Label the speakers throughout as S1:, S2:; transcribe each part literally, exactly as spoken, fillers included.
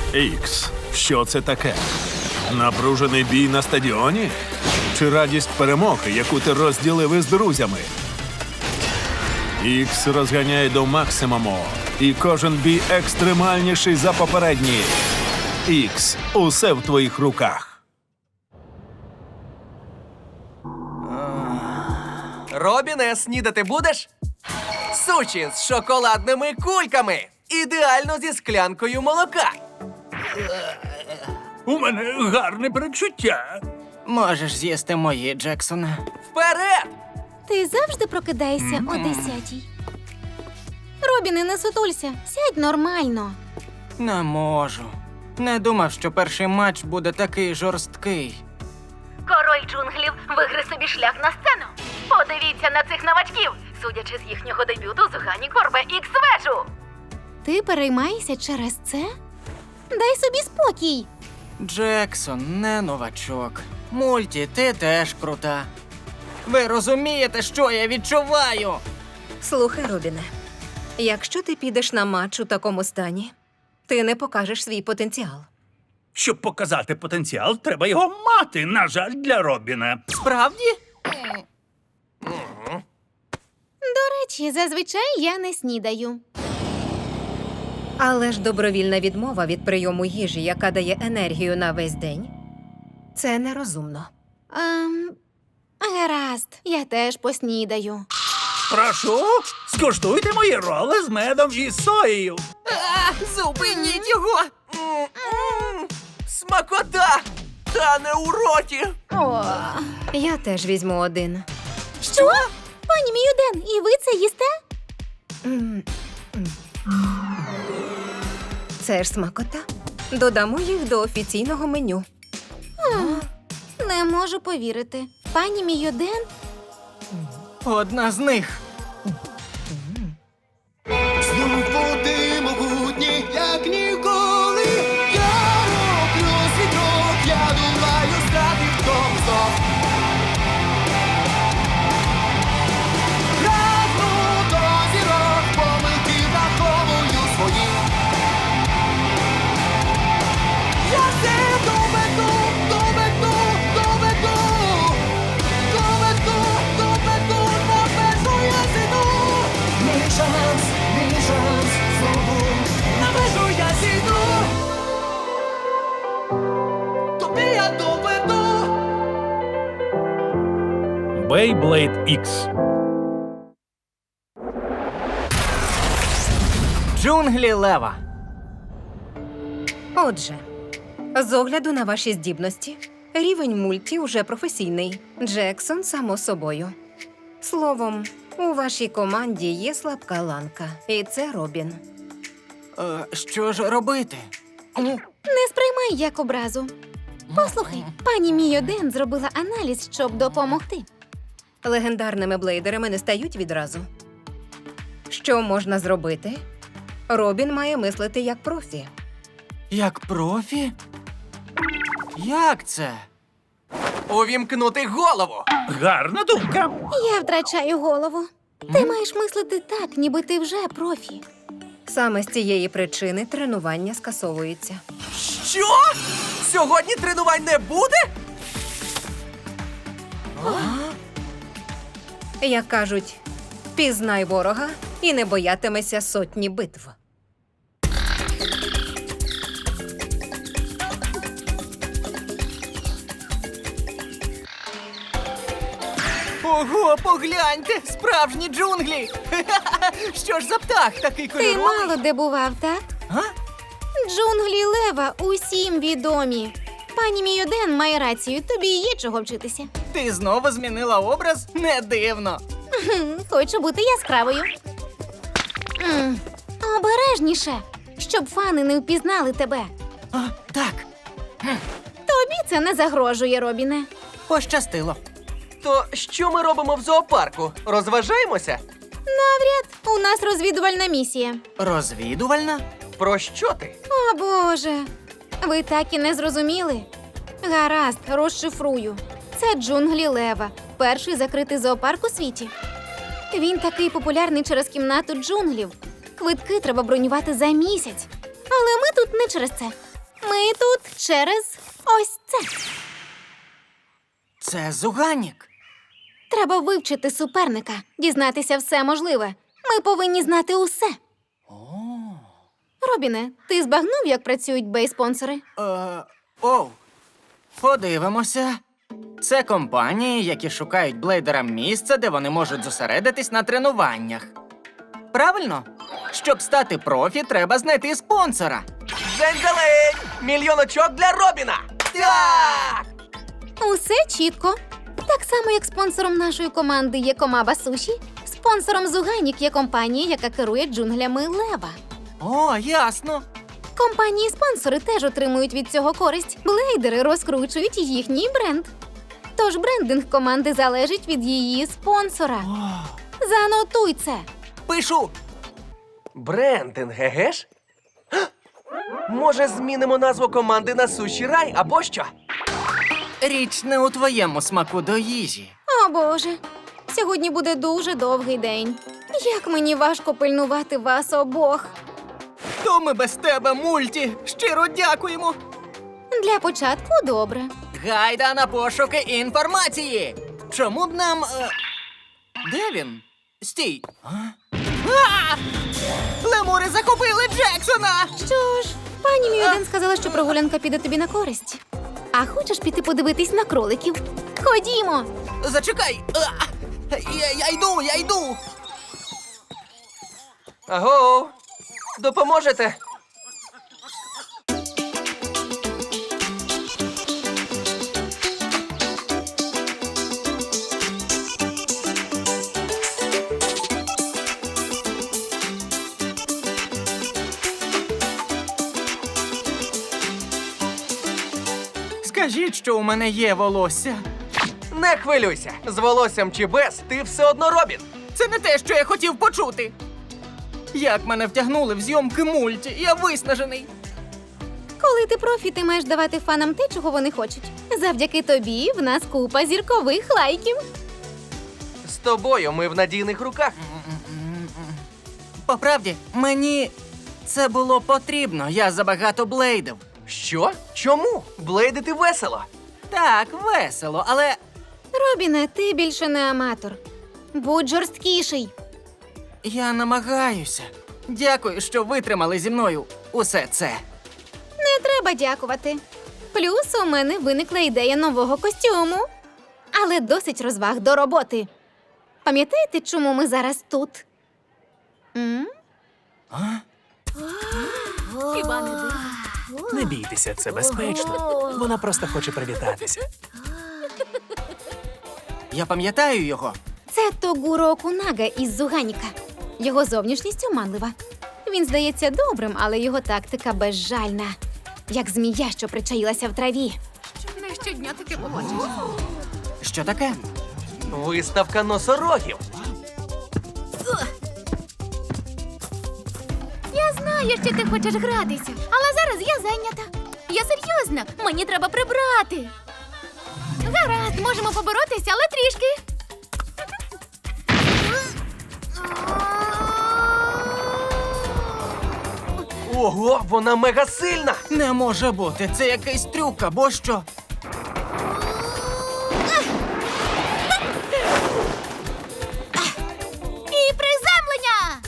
S1: Ікс, що це таке? Напружений бій на стадіоні? Чи радість перемоги, яку ти розділив із друзями? Ікс розганяє до максимуму, і кожен бій екстремальніший за попередній. Ікс, усе в твоїх руках.
S2: Робіне, снідати будеш? Суші з шоколадними кульками. Ідеально зі склянкою молока.
S3: У мене гарне передчуття.
S4: Можеш з'їсти мої, Джексоне.
S2: Вперед!
S5: Ти завжди прокидаєшся о десятій. Робіне, не сутулься. Сядь нормально.
S4: Не можу. Не думав, що перший матч буде такий жорсткий.
S6: Король джунглів вигриз собі шлях на сцену. Подивіться на цих новачків, судячи з їхнього дебюту, згані Корбе ікс-вежу.
S5: Ти переймаєшся через це? Дай собі спокій.
S4: Джексон не новачок. Мульті, ти теж крута. Ви розумієте, що я відчуваю?
S7: Слухай, Робіне, якщо ти підеш на матч у такому стані, ти не покажеш свій потенціал.
S3: Щоб показати потенціал, треба його мати, на жаль, для Робіна.
S4: Справді?
S5: До речі, зазвичай я не снідаю.
S7: Але ж добровільна відмова від прийому їжі, яка дає енергію на весь день, це нерозумно.
S5: Ем, гаразд, я теж поснідаю.
S3: Прошу, скуштуйте мої роли з медом і соєю.
S2: А, зупиніть його! М-м-м. Смакота! Та не у роті!
S5: О,
S7: Я теж візьму один.
S5: що? Пані Міюден, і ви це їсте?
S7: М, м. Це ж смакота. Додамо їх до офіційного меню.
S5: Не можу повірити. Пані Міюден?
S4: Одна з них.
S8: Знов води могутні, як ніколи. Я роблю світок, я думаю, стати в тому знов. Прагну до зірок, помилки враховую свої. Я все доведу, доведу, доведу. Доведу, доведу, на межу я зійду. Мій шанс, мій шанс, знову на межу я зійду. Тобі я доведу.
S3: Beyblade ікс.
S4: Джунглі Лева.
S7: Отже, з огляду на ваші здібності, рівень мульті уже професійний. Джексон, само собою. Словом, у вашій команді є слабка ланка, і це Робін.
S4: Е, що ж робити?
S5: Не сприймай як образу. Послухай, пані Міюден зробила аналіз, щоб допомогти.
S7: Легендарними блейдерами не стають відразу. Що можна зробити? Робін має мислити як профі.
S4: Як профі? Як це?
S2: Увімкнути голову!
S3: Гарна думка.
S5: Я втрачаю голову. Ти маєш мислити так, ніби ти вже профі.
S7: Саме з цієї причини тренування скасовується.
S2: Що? Сьогодні тренувань не буде?
S7: Як кажуть, пізнай ворога і не боятимеся сотні битв.
S4: Ого, погляньте! Справжні джунглі! Що ж за птах такий
S5: Ти
S4: кольоровий?
S5: мало де бував, так?
S4: А?
S5: Джунглі Лева усім відомі. Пані Міюден має рацію, тобі є чого вчитися.
S4: Ти знову змінила образ? Не дивно.
S5: Хм, хочу бути яскравою. М, Обережніше, щоб фани не впізнали тебе.
S4: А, так,
S5: Тобі це не загрожує, Робіне.
S4: пощастило.
S2: То що ми робимо в зоопарку? Розважаємося?
S5: Навряд, у нас розвідувальна місія.
S4: Розвідувальна?
S2: Про що ти?
S5: О, Боже. Ви так і не зрозуміли? Гаразд, розшифрую. Це джунглі Лева, перший закритий зоопарк у світі. Він такий популярний через кімнату джунглів. Квитки треба бронювати за місяць. Але ми тут не через це. Ми тут через ось це.
S4: Це Зуганік.
S5: Треба вивчити суперника, дізнатися все можливе. Ми повинні знати усе. Робіне, ти збагнув, як працюють бей-спонсори?
S4: Е, оу. Подивимося. Це компанії, які шукають блейдерам місце, де вони можуть зосередитись на тренуваннях. Правильно? Щоб стати профі, треба знайти спонсора.
S2: Дзень-дзелень! Мільйон очок для Робіна! Так!
S5: Усе чітко. Так само, як спонсором нашої команди є Комаба Суші, спонсором Зуганік є компанія, яка керує джунглями Лева.
S4: О, ясно.
S5: Компанії-спонсори теж отримують від цього користь. Блейдери розкручують їхній бренд. Тож брендинг команди залежить від її спонсора. Занотуй це.
S4: Пишу.
S2: Брендинг, еге ж? Га! Може, змінимо назву команди на Суші Рай або що?
S4: Річ не у твоєму смаку до їжі.
S5: О, Боже. Сьогодні буде дуже довгий день. Як мені важко пильнувати вас обох.
S4: То ми без тебе, мульті. Щиро дякуємо.
S5: Для початку добре.
S4: Гайда на пошуки інформації. Чому б нам. Е... Де він? Стій. А? А! Лемури захопили Джексона!
S5: Що ж, пані Мюден сказала, що прогулянка піде тобі на користь. А хочеш піти подивитись на кроликів? Ходімо!
S4: Зачекай! А! Я, я йду, я йду!
S2: Аго! Допоможете?
S4: Скажіть, що у мене є волосся.
S2: Не хвилюйся! З волоссям чи без, ти все одно Робін!
S4: Це не те, що я хотів почути. Як мене втягнули в зйомки мульті, я виснажений.
S5: Коли ти профі, ти маєш давати фанам те, чого вони хочуть. Завдяки тобі в нас купа зіркових лайків.
S2: З тобою ми в надійних руках.
S4: По правді, мені це було потрібно. Я забагато блейдив.
S2: Що? Чому? Блейдити весело.
S4: Так, весело, але
S5: Робіне, ти більше не аматор. Будь жорсткіший.
S4: я намагаюся. Дякую, що витримали зі мною усе це.
S5: Не треба дякувати. Плюс у мене виникла ідея нового костюму. Але досить розваг до роботи. Пам'ятаєте, чому ми зараз тут? М?
S6: Хіба не дивно?
S9: Не бійтеся, це безпечно. Вона просто хоче привітатися.
S4: Я пам'ятаю його.
S5: Це Тогуро Окунага із Зуганіка. Його зовнішність оманлива. Він здається добрим, але його тактика безжальна. Як змія, що причаїлася в траві.
S6: Не щодня таке побачиш.
S4: Що таке?
S2: Виставка носорогів.
S6: Я знаю, що ти хочеш гратися, але зараз я зайнята. Я серйозно, мені треба прибрати. Гаразд, можемо поборотися, але трішки.
S2: Ого, вона мега сильна!
S4: Не може бути, це якийсь трюк або що.
S6: І приземлення!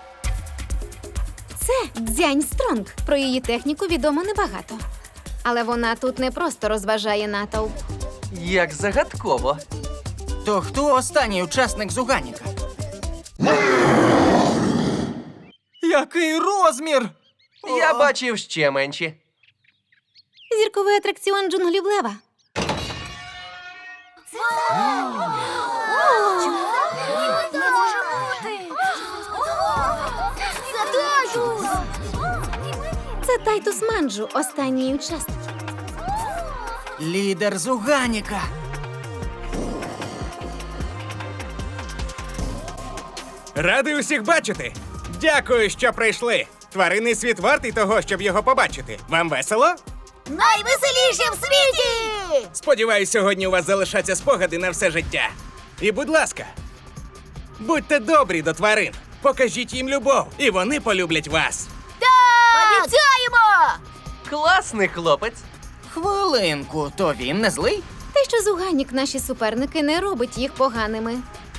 S5: Це Дзянь Стронг. Про її техніку відомо небагато. Але вона тут не просто розважає натовп.
S2: Як загадково.
S4: То хто останній учасник Зуганіка? Який розмір!
S2: Я
S4: О!
S2: бачив ще менші.
S5: Зірковий атракціон джунглів Лева.
S6: Не може бути! Це Тайтус!
S5: Це Тайтус Манджу, останній учасник.
S4: Лідер Зуганіка.
S10: Радий усіх бачити! Дякую, що прийшли! Тваринний світ вартий того, щоб його побачити. Вам весело?
S6: Найвеселіше в світі!
S10: Сподіваюсь, сьогодні у вас залишаться спогади на все життя. І, будь ласка, будьте добрі до тварин. Покажіть їм любов, і вони полюблять вас.
S6: Так! Обіцяємо!
S2: Класний хлопець.
S4: Хвилинку, то він не злий?
S5: Те, що Зуганік наші суперники, не робить їх поганими.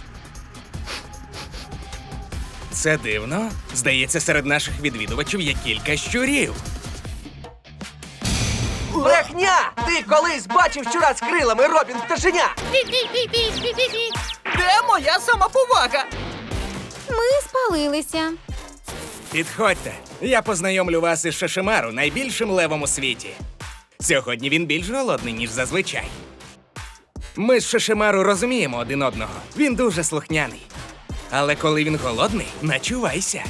S10: Це дивно. Здається, серед наших відвідувачів є кілька щурів.
S2: Брехня! Ти колись бачив щура з крилами, Робін пташеня!
S6: Пі-пі-пі-пі-пі-пі.
S4: Де моя самоповага?
S5: Ми спалилися.
S10: Підходьте, я познайомлю вас із Шишимару, найбільшим левом у світі. Сьогодні він більш голодний, ніж зазвичай. Ми з Шишимару розуміємо один одного. Він дуже слухняний. Але коли він голодний, начувайся.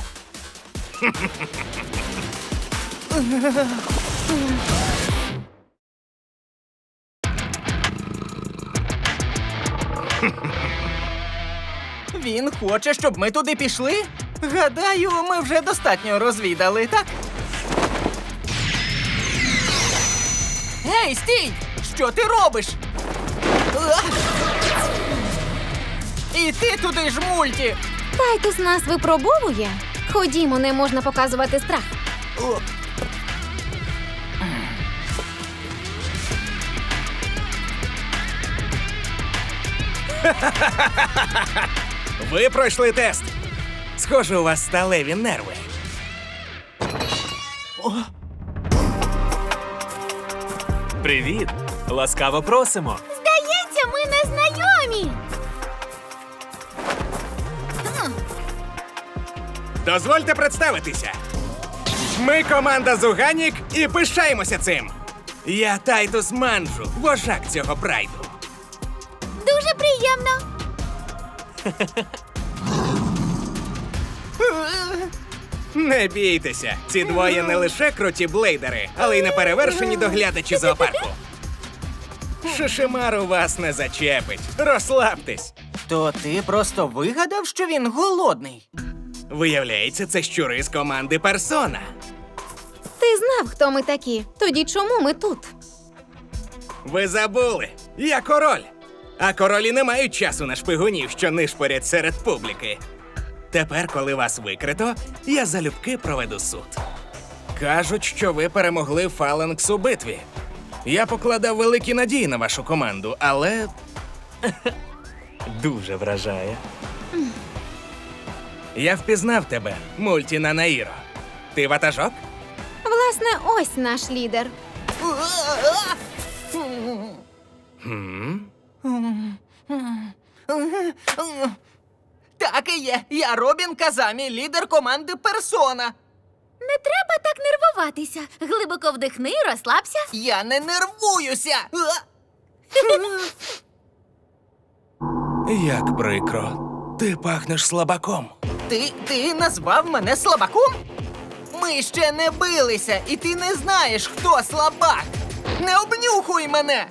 S4: Він хоче, щоб ми туди пішли? Гадаю, ми вже достатньо розвідали, так? Гей, стій! Що ти робиш? А! І ти туди ж, мульті!
S5: Тайтус нас випробовує. Ходімо, не можна показувати страх.
S4: О.
S10: Ви пройшли тест. Схоже, у вас сталеві нерви.
S9: Привіт! Ласкаво просимо.
S6: Здається, ми не знайомі.
S10: Дозвольте представитися. Ми команда Зуганік і пишаємося цим. Я Тайтус Манджу, вожак цього прайду.
S6: Дуже приємно.
S10: Не бійтеся, ці двоє не лише круті блейдери, але й неперевершені доглядачі зоопарку. Шишимару вас не зачепить. Розслабтесь.
S4: То ти просто вигадав, що він голодний?
S10: Виявляється, це щури з команди Персона.
S5: Ти знав, хто ми такі. Тоді чому ми тут?
S10: Ви забули, я король. А королі не мають часу на шпигунів, що нишпорять серед публіки. Тепер, коли вас викрито, я залюбки проведу суд. Кажуть, що ви перемогли Фаланкс у битві. Я покладав великі надії на вашу команду, але
S9: Дуже вражає.
S10: я впізнав тебе, Мультіна Наїро. Ти ватажок?
S5: Власне, ось наш лідер.
S4: Так і є. Я Робін Казамі, лідер команди Персона.
S6: Не треба так нервуватися. Глибоко вдихни, розслабся.
S4: Я не нервуюся.
S10: Як прикро. Ти пахнеш слабаком.
S4: Ти, ти назвав мене слабаком? Ми ще не билися, і ти не знаєш, хто слабак. Не обнюхуй мене.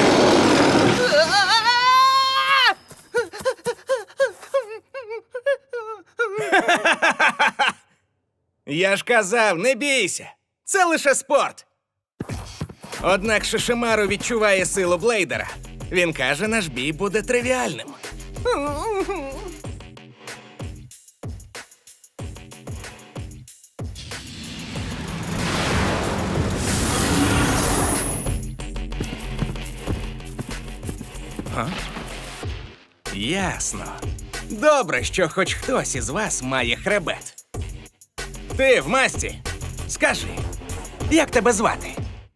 S10: Я ж казав, не бійся. Це лише спорт. Однак Шишимару відчуває силу блейдера. Він каже, наш бій буде тривіальним. Га? Ясно. Добре, що хоч хтось із вас має хребет. Ти в масті. Скажи, як тебе звати?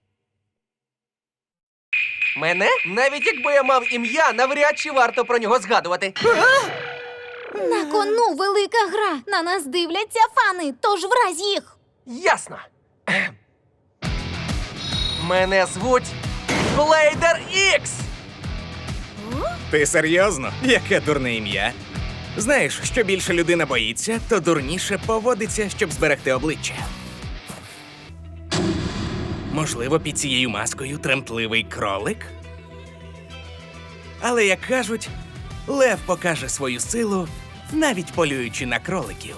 S2: Мене? Навіть якби я мав ім'я, навряд чи варто про нього згадувати.
S5: На кону велика гра. На нас дивляться фани, тож вразь їх.
S2: Ясно. Ем. Мене звуть Блейдер Ікс.
S10: Ти серйозно? Яке дурне ім'я? Знаєш, що більше людина боїться, то дурніше поводиться, щоб зберегти обличчя. Можливо, під цією маскою тремтливий кролик? Але, як кажуть, лев покаже свою силу, навіть полюючи на кроликів.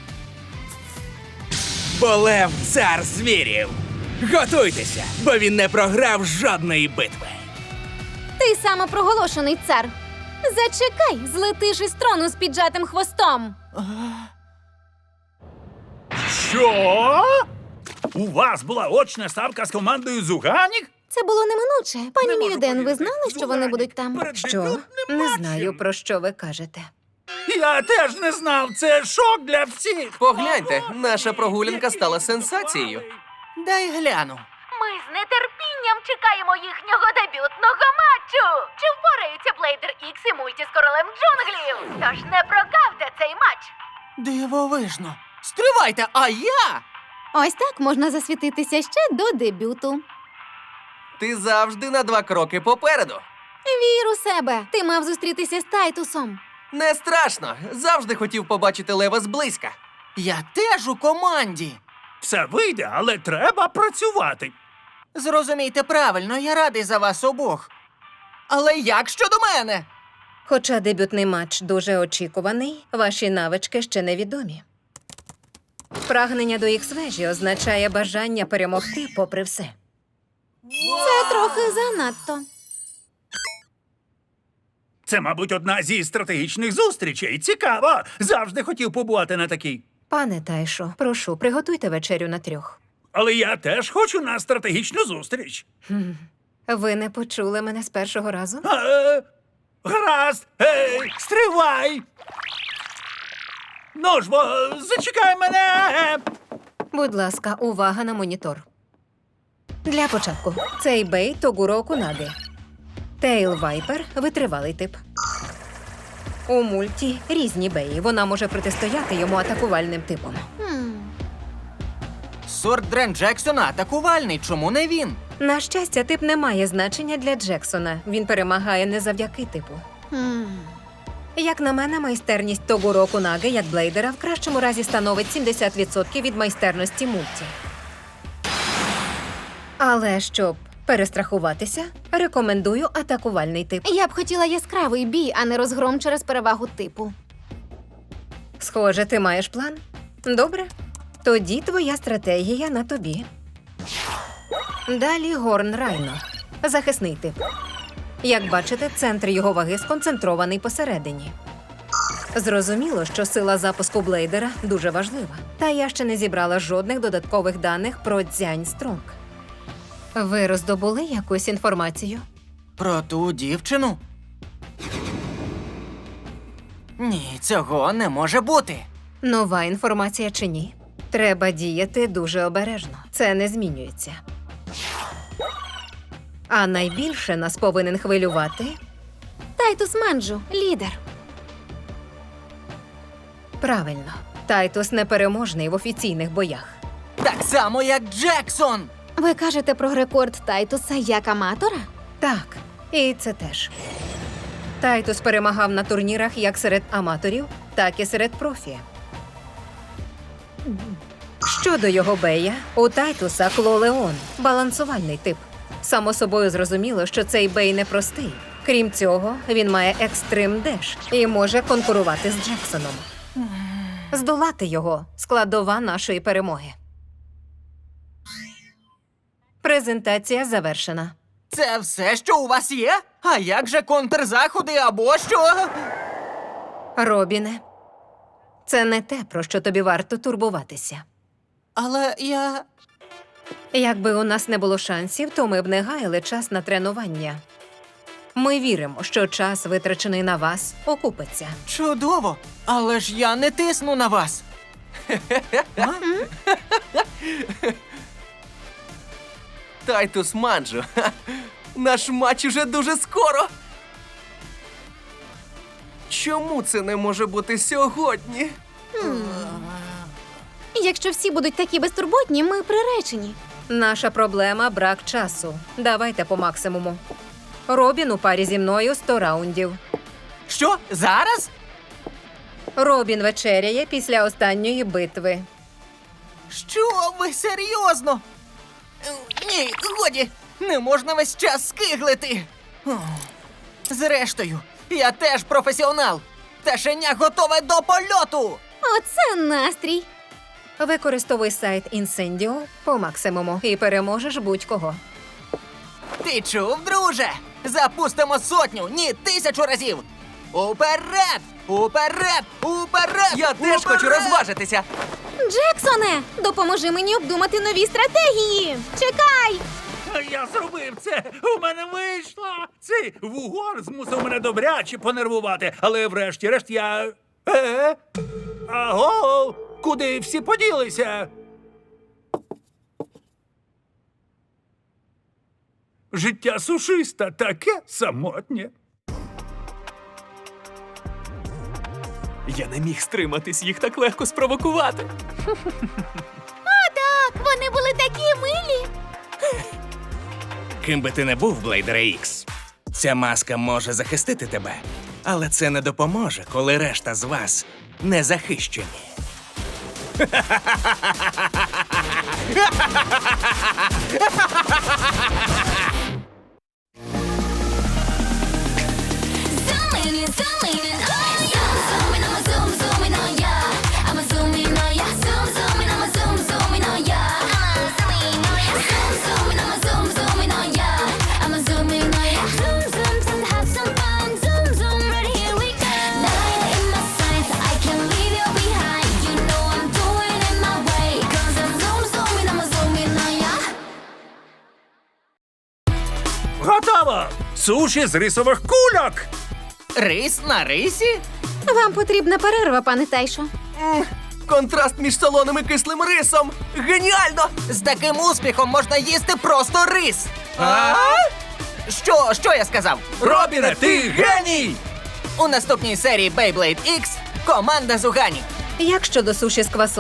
S10: Бо лев – цар звірів! Готуйтеся, бо він не програв жодної битви!
S5: Ти самопроголошений цар. Зачекай, злетиш із трону з піджатим хвостом.
S3: Що? У вас була очна ставка з командою Зуганік?
S5: Це було неминуче. Пані
S3: Не можу
S5: Міліден, ви
S3: повірити.
S5: знали, що вони
S3: Зуганік
S5: будуть там?
S3: перед
S7: Що?
S3: дебютним
S7: Не
S3: матчем.
S7: знаю, про що ви кажете.
S3: Я теж не знав. Це шок для всіх.
S2: Погляньте, наша прогулянка стала сенсацією.
S4: Дай гляну.
S6: Ми з нетерпінням чекаємо їхнього дебютного матчу. Чи впораються Блейдер Ікс і мульті з королем джунглів? Тож не прогавте цей матч.
S4: Дивовижно. Стривайте, а я?
S5: Ось так можна засвітитися ще до дебюту.
S2: Ти завжди на два кроки попереду.
S5: Вір у себе. Ти мав зустрітися з Тайтусом.
S2: Не страшно. Завжди хотів побачити лева зблизька.
S4: Я теж у команді.
S3: Все вийде, але треба працювати.
S4: Зрозумійте правильно, я радий за вас обох. Але як щодо мене?
S7: Хоча дебютний матч дуже очікуваний, ваші навички ще невідомі. Прагнення до ікс-вежі означає бажання перемогти попри все.
S5: Це трохи занадто.
S3: Це, мабуть, одна зі стратегічних зустрічей. Цікаво. Завжди хотів побувати на такій.
S7: Пане Тайшо, прошу, приготуйте вечерю на трьох.
S3: Але я теж хочу на стратегічну зустріч.
S7: Ви не почули мене з першого разу?
S3: Е, гаразд. Ей, стривай. Ну ж, бо зачекай мене.
S7: Будь ласка, увага на монітор. Для початку. Цей бей Тогуро Кунаги. Тейл Вайпер – витривалий тип. У мульті різні беї. Вона може протистояти йому атакувальним типом.
S5: Хм.
S4: Сорт Дрен Джексона атакувальний, чому не він?
S7: На щастя, тип не має значення для Джексона. Він перемагає не завдяки типу.
S5: Хм.
S7: Як на мене, майстерність Тогуро Кунаги як блейдера в кращому разі становить сімдесят відсотків від майстерності мульті. Але щоб перестрахуватися, рекомендую атакувальний тип.
S5: Я б хотіла яскравий бій, а не розгром через перевагу типу.
S7: Схоже, ти маєш план? Добре. Тоді твоя стратегія на тобі. Далі Горн Райно. Захисний тип. Як бачите, центр його ваги сконцентрований посередині. Зрозуміло, що сила запуску блейдера дуже важлива. Та я ще не зібрала жодних додаткових даних про Дзянь Стронг. Ви роздобули якусь інформацію?
S4: Про ту дівчину? Ні, цього не може бути.
S7: Нова інформація чи ні? Треба діяти дуже обережно. Це не змінюється. А найбільше нас повинен хвилювати
S5: Тайтус Манджу, лідер.
S7: правильно. Тайтус непереможний в офіційних боях.
S4: Так само, як Джексон.
S5: Ви кажете про рекорд Тайтуса як аматора?
S7: Так, і це теж. Тайтус перемагав на турнірах як серед аматорів, так і серед профі. Щодо його бея, у Тайтуса Клолеон – балансувальний тип. Само собою зрозуміло, що цей бей непростий. Крім цього, він має екстрим деш і може конкурувати з Джексоном. Здолати його – складова нашої перемоги. Презентація завершена.
S4: Це все, що у вас є? А як же контрзаходи або що?
S7: Робіне, це не те, про що тобі варто турбуватися.
S4: Але я...
S7: Якби у нас не було шансів, то ми б не гаяли час на тренування. Ми віримо, що час, витрачений на вас, окупиться.
S4: Чудово! Але ж я не тисну на вас. А?
S2: Тайтус Манджу. Ха. Наш матч уже дуже скоро. Чому це не може бути сьогодні?
S5: Якщо всі будуть такі безтурботні, ми приречені.
S7: Наша проблема – брак часу. Давайте по максимуму. Робін у парі зі мною сто раундів.
S4: Що? Зараз?
S7: Робін вечеряє після останньої битви.
S4: Що ви серйозно? Е, Ні, годі, не можна весь час скиглити. О, зрештою, я теж професіонал. Пташеня готове до польоту.
S5: Оце настрій.
S7: Використовуй сайт Інсендіо по максимуму і переможеш будь-кого.
S4: Ти чув, друже? Запустимо сотню, ні, тисячу разів. Уперед! Уперед! Уперед!
S2: Я теж хочу
S4: Уперед!
S2: розважитися.
S5: Джексоне, допоможи мені обдумати нові стратегії. Чекай!
S3: Я зробив це! У мене вийшло! Цей вугор змусив мене добряче понервувати, але врешті-решт я. Е? Аго! Куди всі поділися? Життя сушиста таке самотнє.
S9: Я не міг стриматись, їх так легко спровокувати.
S6: Так, вони були такі милі.
S10: Ким би ти не був, Блейдере Ікс, ця маска може захистити тебе, але це не допоможе, коли решта з вас не захищені.
S6: Zooming in, zooming in, oh yeah. Zooming, I'ma zoom, zooming, oh yeah. I'ma zoom in, oh yeah. Zoom, zooming, I'ma zoom, zooming, oh yeah. I'ma zoom in, oh yeah. Zoom, zooming, I'ma zoom, zooming, oh yeah. I'ma zoom in, oh yeah. Zoom, zoom, zoom, have some fun. Zoom, zoom, right here we go. Nine in my sights, I can't leave you behind. You know I'm doing it my way. 'Cause I'm zoom, zooming, I'ma zoom in, oh yeah.
S3: Готово! Суші з рисових кульок!
S4: Рис на рисі?
S5: Вам потрібна перерва, пане Тайшо.
S2: М, контраст між солоним і кислим рисом. Геніально!
S4: З таким успіхом можна їсти просто рис. А? Що, що я сказав?
S3: Робіне, ти геній!
S4: У наступній серії Beyblade Ікс команда Зугані.
S7: Як щодо суші з квасолею?